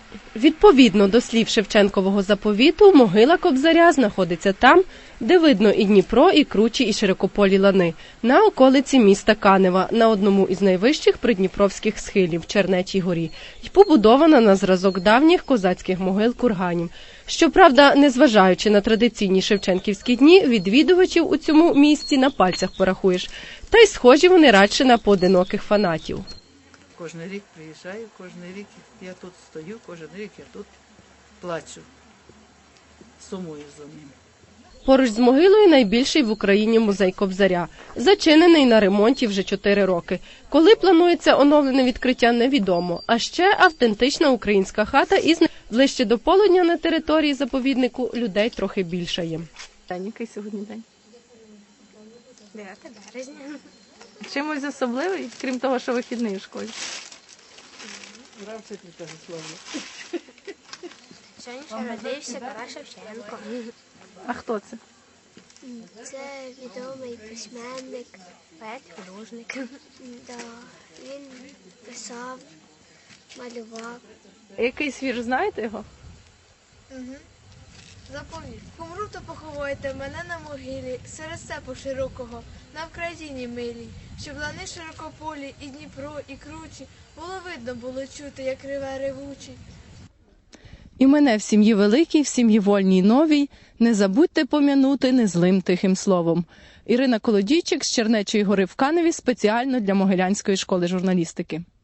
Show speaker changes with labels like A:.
A: Відповідно до слів Шевченкового заповіту, могила Кобзаря знаходиться там, де видно і Дніпро, і кручі, і широкополі лани, на околиці міста Канева, на одному із найвищих придніпровських схилів – Чернечій горі, і побудована на зразок давніх козацьких могил курганів. Щоправда, незважаючи на традиційні шевченківські дні, відвідувачів у цьому місті на пальцях порахуєш, та й схожі вони радше на поодиноких фанатів.
B: Кожен рік приїжджаю, кожен рік я тут стою, кожен рік я тут плачу, сумую за ним.
A: Поруч з могилою найбільший в Україні музей Кобзаря. Зачинений на ремонті вже 4 роки. Коли планується оновлене відкриття, невідомо. А ще автентична українська хата із ближче до полудня на території заповіднику людей трохи більшає.
C: Який сьогодні день?
D: 9 березня.
C: Чимось особливий, крім того, що вихідний у школі?
D: Сьогодні родився Тарас Шевченко.
C: А хто це?
D: Це відомий письменник, поет-художник. Да. Він писав, малював.
C: Якийсь вірш, знаєте його?
E: Запомніть, помру, то поховайте мене на могилі, серед степу широкого, на Вкраїні милій, щоб лани широкополі, і Дніпро, і кручі, було чути, як реве ревучий.
C: І мене в сім'ї великій, в сім'ї вольній новій, не забудьте пом'янути незлим тихим словом. Ірина Колодійчик з Чернечої гори в Каневі спеціально для Могилянської школи журналістики.